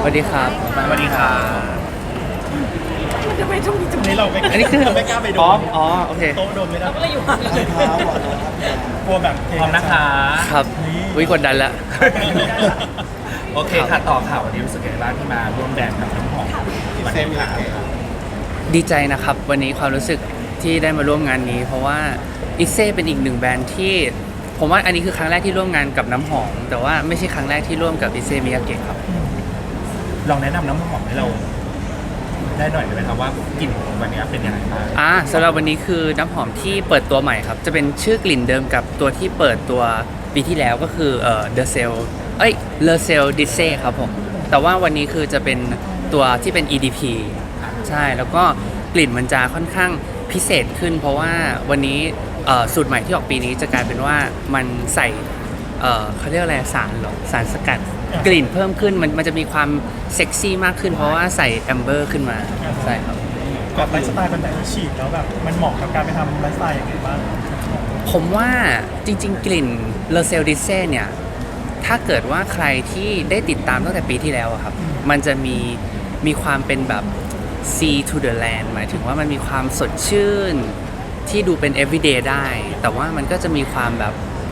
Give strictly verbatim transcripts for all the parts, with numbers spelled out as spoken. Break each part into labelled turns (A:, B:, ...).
A: วัสดีครับ
B: สวัสดีครับ
C: จะไปตรงนี้ตรงนี้เราไม่
A: อันนี้คือ
C: เราไม่กล้าไปโด
A: อ๋อน อ๋อโอเค
C: โต๊ะโดนไม่ได้
D: ก็เลยอยู่
C: กลัวแบบเท
B: พร้อมนะคะ
A: ครับวิกดดันละ
B: โอเคค่ะต่อข่าววันนี้รู้สึกยังไงบ้างที่มาร่วมแบรนด์กับน้ำหอมวันนี้ค่ะ
A: ดีใจนะครับ วันนี้ความรู้สึกที่ได้มาร่วมงานนี้ เพราะว่าอิเซ่เป็นอีกหนึ่งแบรนด์ที่ ผมว่าอันนี้คือครั้งแรกที่ร่วมงานกับน้ำหอม แต่ว่าไม่ใช่ครั้งแรกที่ร่วมกับอิเซ่มิยาเกะครับ
B: ลองแนะนำน้ำหอมให้เรา ได้หน่อยได้ไหมครับว่ากลิ่นของวันนี้เป็นยังไงบ้าง
A: อ่าสำหรับวันนี้คือน้ำหอมที่เปิดตัวใหม่ครับ จะเป็นชื่อกลิ่นเดิมกับตัวที่เปิดตัวปีที่แล้วก็คือเอ่อ The Cell เอ้ย Le Cell d i s e ครับผม แต่ว่าวันนี้คือจะเป็นตัวที่เป็น อี ดี พี ใช่ แล้วก็กลิ่นมันจะค่อนข้างพิเศษขึ้น เพราะว่าวันนี้เอ่อสูตรใหม่ที่ออกปีนี้จะกลายเป็นว่ามันใส่เอ่อเขาเรียกอะไรสารเหรอสารสกัดกลิ่นเพิ่มขึ้นมันมันจะมีความเซ็กซี่มากขึ้น เพราะว่าใส่แอมเบอร์ขึ้นมาใช่ครับ
C: แบบไลฟ์สไตล์แบบไหนฉีดแล้วแบบมันเหมาะกับการไปทำไลฟ์สไตล์ยังไงบ้าง
A: ผมว่าจริงๆ กลิ่นเลเซลดิเซ่เนี่ย ถ้าเกิดว่าใครที่ได้ติดตามตั้งแต่ปีที่แล้วอะครับ มันจะมีมีความเป็นแบบ sea to the land หมายถึงว่ามันมีความสดชื่นที่ดูเป็น everyday ได้ แต่ว่ามันก็จะมีความแบบ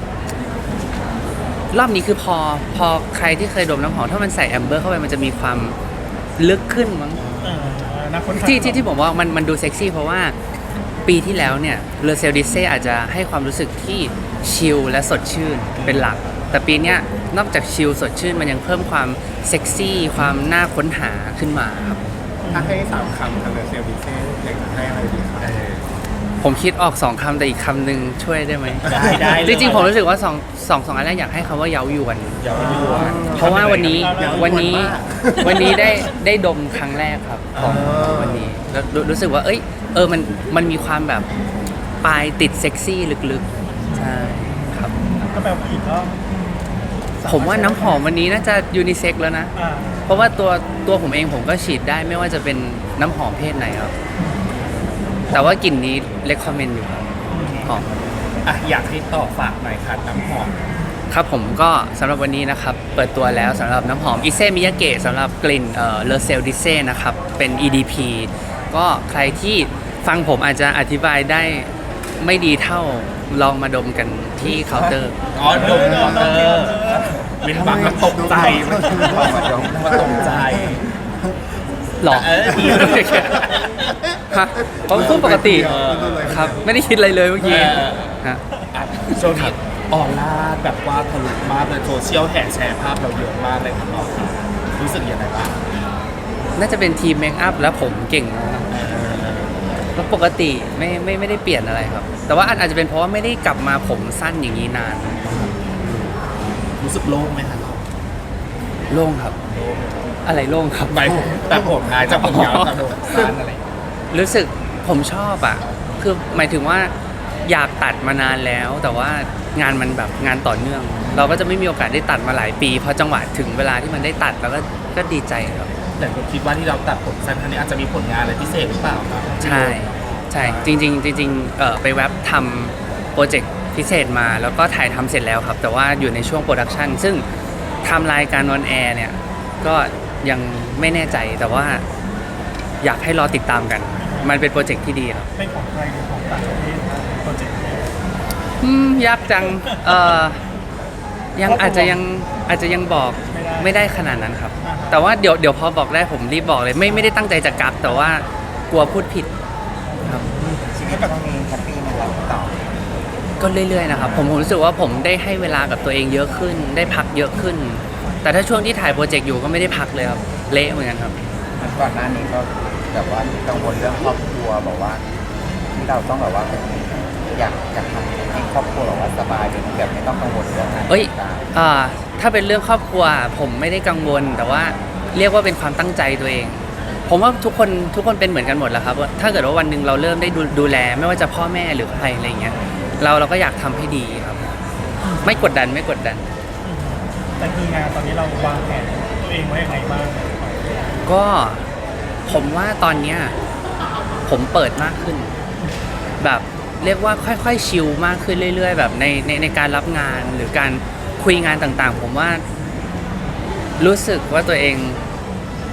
A: รอบนี้คือพอพอใครที่เคยดมน้ำหอมถ้ามันใส่แอมเบอร์เข้าไปมันจะมีความลึกขึ้นมั้ง
C: เออนักค้นหา
A: ที่ที่ที่ผมว่ามันมันดูเซ็กซี่เพราะว่าปีที่แล้วเนี่ยเลเซลดิเซ่อาจจะให้ความรู้สึกที่ชิลและสดชื่นเป็นหลัก แต่ปีเนี้ยนอกจากชิลสดชื่นมันยังเพิ่มความเซ็กซี่ความน่าค้นหาขึ้นมาครับ
E: ถ้าให้สามคำทางเซลล์บิเซ่อยากจะให้อะไรดีครับ
A: ผมคิดออกสองคำแต่อีกคำหนึ่งช่วยได้ไหม
B: ได้ได้เลย
A: จริงๆผมรู้สึกว่าสองสองสองอันแรกอยากให้คำว่าเย้ายวน
B: อย่าไปดูว่า
A: เพราะว่าวันนี้วันนี้วันนี้ได้ได้ดมครั้งแรกครับของวันนี้แล้วรู้รู้สึกว่าเอ้ยเออมันมันมีความแบบปลายติดเซ็กซี่ลึกๆใช่ครับ
C: ก็แบบผู้หญิงก็
A: ผมว่าน้ำหอมวันนี้น่าจะยูนิเซ็กแล้วนะ
C: อ่า
A: เพราะว่าตัวตัวผมเองผมก็ฉีดได้ไม่ว่าจะเป็นน้ำหอมเพศไหนครับ แต่ว่ากลิ่นนี้เลคคอมเมนต์อยู่ครับหอม
B: อ่ะอยากให้ต่อฝากหน่อยค่ะน้ำหอม
A: ครับผมก็สำหรับวันนี้นะครับ เปิดตัวแล้วสำหรับน้ำหอมอิเซมิยาเกะสำหรับกลิ่นเอ่อเลเซลดิเซ่นะครับ เป็น อี ดี พี ก็ใครที่ฟังผมอาจจะอธิบายได้ไม่ดีเท่าลองมาดมกันที่เคาน์เตอร์
B: อ๋อดมมอเตอร์เว้นบังแล้วตกใจมาตกใจ
A: หรอ
B: เออ
A: ฮะผมพูดปกติครับ ไม่ได้คิดอะไรเลยเมื่อกี้ฮะ
B: อ่ะช่วงนี้ออนไลน์แบบว่าทะลุมากเลยโซเชียลแห่แชร์ภาพเราเยอะมากเลยครับน้องรู้สึกยังไงบ้าง
A: น่าจะเป็นทีมเมคอัพแล้วผมเก่งนะครับแล้วปกติไม่ไม่ไม่ได้เปลี่ยนอะไรครับ แต่ว่าอาจจะเป็นเพราะว่าไม่ได้กลับมาผมสั้นอย่างนี้นาน
B: รู้สึกโล่งไหมครับ
A: โล่งครับ อะไรโล่งครับ
B: หมายแต่ผมงานจะผมยาวแต่ผมสั้นอะไรอย่างเงี้ย
A: รู้สึกผมชอบอ่ะ คือหมายถึงว่าอยากตัดมานานแล้ว แต่ว่างานมันแบบงานต่อเนื่อง เราก็จะไม่มีโอกาสได้ตัดมาหลายปี พอจังหวะถึงเวลาที่มันได้ตัดเราก็ก็ดีใจครับ
B: แต่ผมคิดว่าที่เราตัดผมสั้นครั้งนี้อาจจะมีผลงานอะไรพิเศษหรือเปล่าครับ
A: ใช่ใช่จริงๆจริงๆเอ่อไปแว็บทำโปรเจกต์พิเศษมาแล้วก็ถ่ายทำเสร็จแล้วครับ แต่ว่าอยู่ในช่วงโปรดักชันซึ่งไทำรายการออนแอร์เนี่ยก็ยังไม่แน่ใจแต่ว่าอยากให้รอติดตามกัน มันเป็นโปรเจกต์ที่ดีครับ
C: เป็นของใครหรือของต่างประเทศนะโปรเจกต์นี้
A: อืมยากจังเอ่อยังอาจจะยังอาจจะยังบอกไม่ได้ขนาดนั้นครับ แต่ว่าเดี๋ยวเดี๋ยวพอบอกได้ผมรีบบอกเลย ไม่ไม่ได้ตั้งใจจะกักแต่ว่ากลัวพูดผิดครับ
E: ชีวิตตรงนี้แฮปปี้ไหมครับต่อ
A: ก็เรื่อยๆนะครับผมผมรู้สึกว่าผมได้ให้เวลากับตัวเองเยอะขึ้น ได้พักเยอะขึ้น แต่ถ้าช่วงที่ถ่ายโปรเจกต์อยู่ก็ไม่ได้พักเลยครับเละเหมือนกันครับ
E: ก่อนหน้านี้ก็แบบว่ากังวลเรื่องครอบครัวบอกว่า ที่เราต้องแบบว่าอยากอยากทำให้ครอบครัวแบบว่าสบายแบบไม่ต้องกังวลเรื่องงาน
A: เอ้ย
E: ต่าง
A: อ่าถ้าเป็นเรื่องครอบครัวผมไม่ได้กังวล แต่ว่าเรียกว่าเป็นความตั้งใจตัวเอง ผมว่าทุกคนทุกคนเป็นเหมือนกันหมดแหละครับว่าถ้าเกิดว่าวันหนึ่งเราเริ่มได้ดูดูแล ไม่ว่าจะพ่อแม่หรือใครอะไรเงี้ยเราเราก็อยากทำให้ดีครับ ไม่กดดันไม่กดดัน
C: แต่คืองานตอนนี้เราวางแผนตัวเองไว้ยังไงบ้าง
A: ก็ผมว่าตอนเนี้ยผมเปิดมากขึ้น แบบเรียกว่าค่อยๆชิลมากขึ้นเรื่อยๆ แบบในในในการรับงานหรือการคุยงานต่างๆ ผมว่ารู้สึกว่าตัวเอง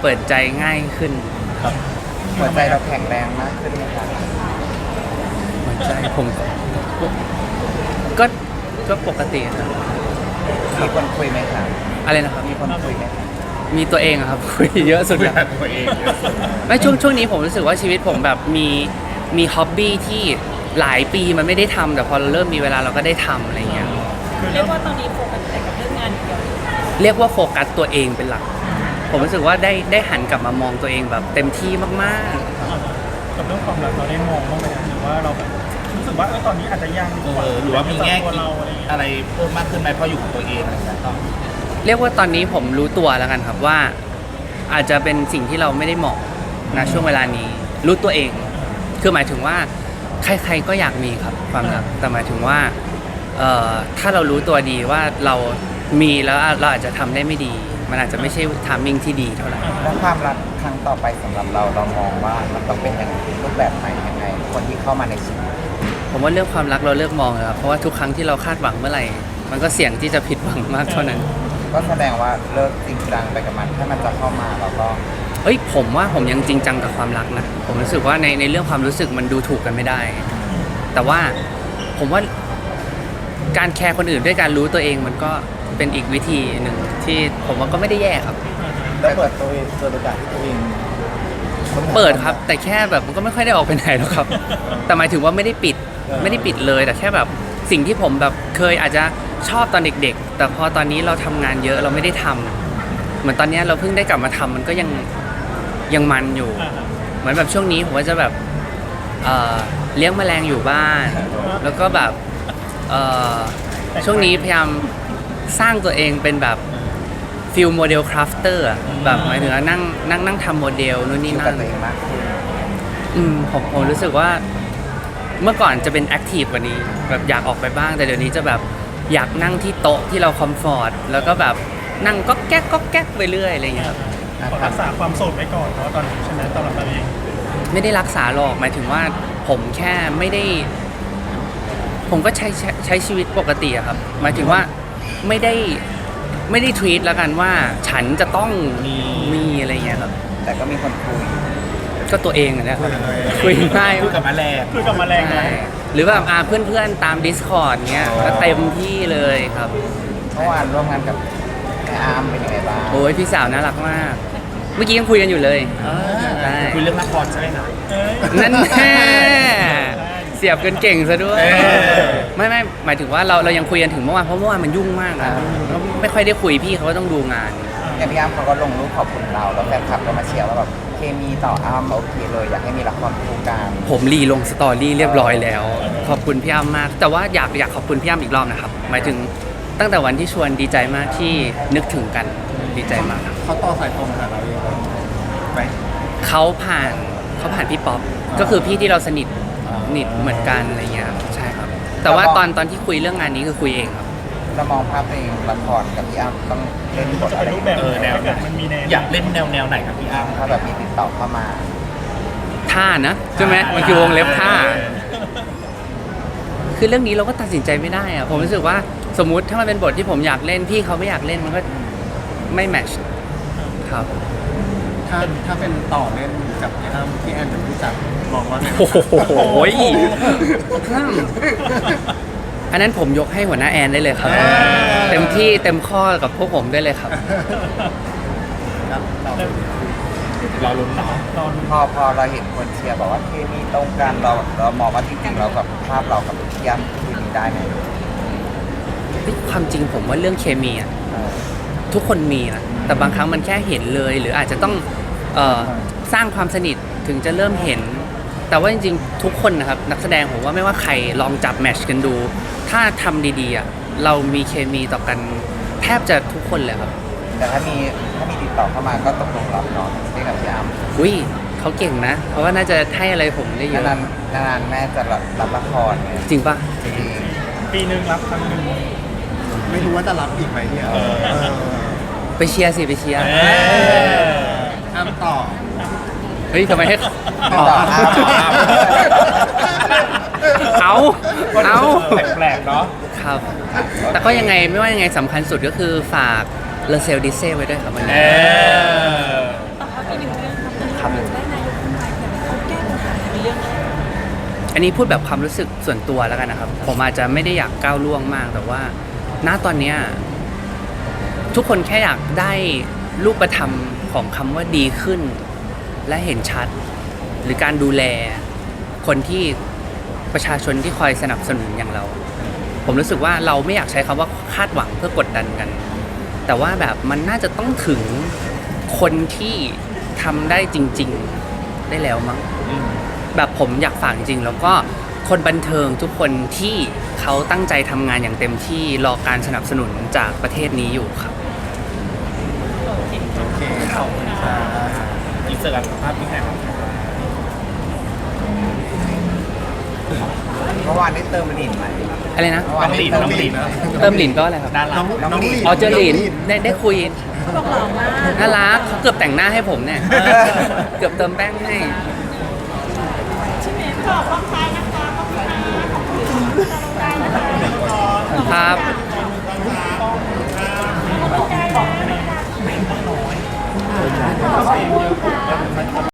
A: เปิดใจง่ายขึ้น
E: หัวใจเราแข็งแรงมากขึ้นไหมครับ
A: หัวใจผมก็ก็ก็ปกติครับ
E: มีคนคุยไหมครับ
A: อะไรนะครับ
E: มีคนคุยไหมครับ
A: มีตัวเองอะครับ คุยเยอะสุด
B: คุย
A: แล้ว
B: กับตัวเองเยอะสุด
A: ไม่ช่วงช่วงนี้ผมรู้สึกว่าชีวิตผมแบบมีมีฮ็อบบี้ที่หลายปีมันไม่ได้ทำแต่พอเราเริ่มมีเวลาเราก็ได้ทำอะไรเงี้ย
C: คือ
D: เรี
C: เรื่
D: ย
C: อง
D: กว่าตอนนี้โฟกัสแต่กับเรื่องงานอย่างเดียว
A: เรียกว่าโฟกัสตัวเองเป็นหลัก ผมรู้สึกว่าได้ได้หันกลับมามองตัวเองแบบเต็มที่มาก
C: กับเรื่องความรักเราได้มองบ้างไหมครับหรือว่าเราแบบรู้สึกว่าเออตอนนี้อาจจะยังดีกว่า
B: เออหรือว่ามีแง่
C: ตัว
B: คิด
C: เราอะไรอย่างเงี้ย
B: อะไรเพิ่มมากขึ้นไหมเพราะอยู่กับตัวเองอะไรอย่างเงี้ยต่อ
A: ๆ เรียกว่าตอนนี้ผมรู้ตัวแล้วกันครับว่า อาจจะเป็นสิ่งที่เราไม่ได้เหมาะนะช่วงเวลานี้ รู้ตัวเอง คือหมายถึงว่าใครๆก็อยากมีครับความรักแต่หมายถึงว่าเอ่อถ้าเรารู้ตัวดีว่าเรามีแล้วเราอาจจะทำได้ไม่ดี มันอาจจะไม่ใช่ทามมิ่งที่ดีเท่าไหร่
E: แล้วความรักครั้งต่อไปสำหรับเราเรามองว่ามันต้องเป็นอย่างรูปแบบไหนยังไง คนที่เข้ามาในชีวิต
A: ผมว่าเรื่องความรักเราเลิกมองเลยครับเพราะว่าทุกครั้งที่เราคาดหวังเมื่อไหร่ มันก็เสี่ยงที่จะผิดหวังมากเท่านั้น
E: ก็แสดงว่าเลิกจริงจังไปกับมันถ้ามันจะเข้ามาเราก็
A: เอ้ยผมว่าผมยังจริงจังกับความรักนะผมรู้สึกว่าในในเรื่องความรู้สึกมันดูถูกกันไม่ได้ แต่ว่าผมว่าการแคร์คนอื่นด้วยการรู้ตัวเองมันก็เป็นอีกวิธีหนึ่งที่ผมว่าก็ไม่ได้แย่ครับ
E: แล้วเปิดตัวเองตัวโอกาสที่ตัวเอง
A: เปิดครับ แต่แค่แบบมันก็ไม่ค่อยได้ออกไปไหนหรอกครับ แต่หมายถึงว่าไม่ได้ปิดไม่ได้ปิดเลยแต่แค่แบบสิ่งที่ผมแบบเคยอาจจะชอบตอนเด็กๆ แต่พอตอนนี้เราทำงานเยอะเราไม่ได้ทำเหมือนตอนเนี้ยเราเพิ่งได้กลับมาทำมันก็ยังยังมันอยู่
C: อ่าฮะ
A: เหมือนแบบช่วงนี้ผมก็จะแบบเอ่อเลี้ยงแมลงอยู่บ้าน แล้วก็แบบเอ่อช่วงนี้พยายามสร้างตัวเองเป็นแบบฟิลโมเดลคราฟเตอร์แบบหมายถึงว่านั่งนั่งนั่งทำโมเดลนู่น
E: อ
A: นี่
E: ยู่
A: นั่
E: กับ
A: น
E: ตัวเองมากขึ้น
A: อืมผมผมรู้สึกว่าเมื่อก่อนจะเป็นแอคทีฟกว่านี้แบบอยากออกไปบ้าง แต่เดี๋ยวนี้จะแบบอยากนั่งที่โต๊ะที่เราคอมฟอร์ตแล้วก็แบบนั่งก็แก๊กก็แก๊กไปเรื่อยอะไรอย่างเงี้ยครับ
C: ขอรักษาความโสดไว้ก่อนเพราะว่าตอนนี้ใช่ไหมสำหรับเราเอง
A: ไม่ได้รักษาหรอกหมายถึงว่าผมแค่ไม่ได้ ผมก็ใช้ใช้ใช้ชีวิตปกติอะครับ หมายถึงว่าไม่ได้ไม่ได้ทวีตแล้วกันว่าฉันจะต้องมีอะไรอย่างเงี้ยครับ
E: แต่ก็มีคนคุย
A: ก็ตัวเองอะนะครับคุยง่าย
B: คุยกับแมลง
C: คือกับแมลงนะ
A: ใช่หรือแบบอ่าเพื่อนๆตาม Discord เงี้ยก็เต็มที่เลยครับ
E: เมื่อวานร่วมงานกับแม่อาร์มเป็นยังไงบ้าง
A: โอ้ยพี่สาวน่ารักมาก เมื่อกี้ยังคุยกันอยู่เลยใช่
B: คุยเรื่องละครใช่ไหมคะ
C: เอ้ย
A: นั่นแน่เสียบกันเก่งซะด้วย
B: เออ
A: ไม่ไม่หมายถึงว่าเราเรายังคุยกันถึงเมื่อวานเพราะเมื่อวานมันยุ่งมากอะเราไม่ค่อยได้คุยพี่เขาก็ต้องดูงาน
E: อย่างพี่อาร์มเขาก็ลงรูปขอบคุณเราแล้วแฟนคลับก็มาเชียร์ว่าแบบเคมีต่ออาร์มโอเคเลยอยากให้มีละครคู่กัน
A: ผมรีลงสตอรี่เรียบร้อยแล้ว ขอบคุณพี่อ้ำมาก แต่ว่าอยากอยากขอบคุณพี่อ้ำอีกรอบนะครับ หมายถึงตั้งแต่วันที่ชวนดีใจมากที่นึกถึงกันดีใจมากครับ
B: เขาต่อสายตรงหาเราเองไหม
A: เขาผ่านเขาผ่านพี่ป๊อปก็คือพี่ที่เราสนิทสนิทเหมือนกันอะไรเงี้ยครับใช่ครับ แต่ว่าตอนตอนที่คุยเรื่องงานนี้คือคุยเองครับ
E: เรามองภาพตัวเองละครกับพี่อ้ำต้องเล่นบท
C: จะ
E: อะ
C: เป็น
E: ไร
C: รูปแบบ
B: เออแนวไหน
C: มันมีแนว
B: อยากเล่นแนวแนวไหนกับพี่อ้ำ
E: ถ้าแบบมีติดต่อเข้ามา
A: ท่านะใช่ไหมมันคือวงเล็บท่า คือเรื่องนี้เราก็ตัดสินใจไม่ได้อะผมรู้สึกว่าสมมุติถ้ามันเป็นบทที่ผมอยากเล่นพี่เขาไม่อยากเล่นมันก็ไม่แมทช์ครับ
B: ถ้าถ้าเป็นต่อเล่นกับพี่อ้ำพี่แอนเป็นผู้จัดมองว่าไง
A: โอ้โหอันนั้นผมยกให้หัวหน้าแอนได้เลยครับ เต็มที่เต็มข้อกับพวกผมได้เลยครับ
B: ครับเราเราลุ้นเนาะ
C: ตอน
E: พอพอเราเห็นคนเชียร์บอกว่าเคมีตรงกันเราเรามองว่าจริงๆเรากับภาพเรากับพี่อ้ำเคมีได้ไหม
A: ความจริงผมว่าเรื่องเคมีอะ
E: เออ
A: ทุกคนมีนะแต่บางครั้งมันแค่เห็นเลย หรืออาจจะต้องเอ่อสร้างความสนิทถึงจะเริ่มเห็น แต่ว่าจริงๆทุกคนนะครับนักแสดงผมว่าไม่ว่าใครลองจับแมทช์กันดู ถ้าทำดีๆอ่ะเรามีเคมีต่อกันแทบจะทุกคนเลยครับ
E: แต่ถ้ามีถ้ามีติดต่อเข้ามาก็ตกลงรับเนาะเล่นกับพี่อ้ำ
A: อุ้ยเขาเก่งนะ เพราะว่าน่าจะให้อะไรผมได้เยอะ
E: นานๆนานๆแม่จะรับรับละครเนี่ย
A: จริงปะ
E: จริง
C: ปีหนึ่งรับครั้งหนึ่ง
B: ไม่รู้ว่าจะรับอีกไหมเนี่ย
A: ไปเชียร์สิไปเชียร์
B: อ้ำต่อ
A: เฮ้ยทำไมให้
E: ๆต่ออ้ำ
A: เอาเอา
B: แปลกๆเนาะ
A: ครับ แต่ก็ยังไงไม่ว่ายังไงสำคัญสุดก็คือฝากเลเซลดิเซ่ไว้ด้วยครับวัน
B: เอ
A: นี้
B: อ
D: ต้อง
A: อันนี้พูดแบบความรู้สึกส่วนตัวแล้วกันนะครับ ผมอาจจะไม่ได้อยากก้าวล่วงมาก แต่ว่าณตอนเนี้ยทุกคนแค่อยากได้รูปธรรมของคำว่าดีขึ้น และเห็นชัด หรือการดูแลคนที่ประชาชนที่คอยสนับสนุนอย่างเรา ผมรู้สึกว่าเราไม่อยากใช้คำว่าคาดหวังเพื่อกดดันกัน แต่ว่าแบบมันน่าจะต้องถึงคนที่ทำได้จริง ๆได้แล้วมั้ง แบบผมอยากฝากจริงๆแล้วก็คนบันเทิงทุกคนที่เขาตั้งใจทำงานอย่างเต็มที่รอการสนับสนุนจากประเทศนี้อยู่ครับ
B: โอเคขอบคุณค่ะอินเสิร์ตภาพที่ไหนครับ
E: เมื่อวานได้เติมหลินไหม
A: อะไรนะ
E: เมื่อวานได้เติมหลิน
A: เติมหลินก็อะไรครับ
B: น่ารัก
E: น้องหลิน
A: อ๋อเจอหลินได้ได้คุย
D: เขาบอกหล่อมาก
A: น่ารักเขาเกือบแต่งหน้าให้ผมเนี่ย เกือบเติมแป้งให้
D: ชื่อเมย์บอกว่าใครนะคะขอบคุณค่ะขอบคุณค่ะ
A: ครับ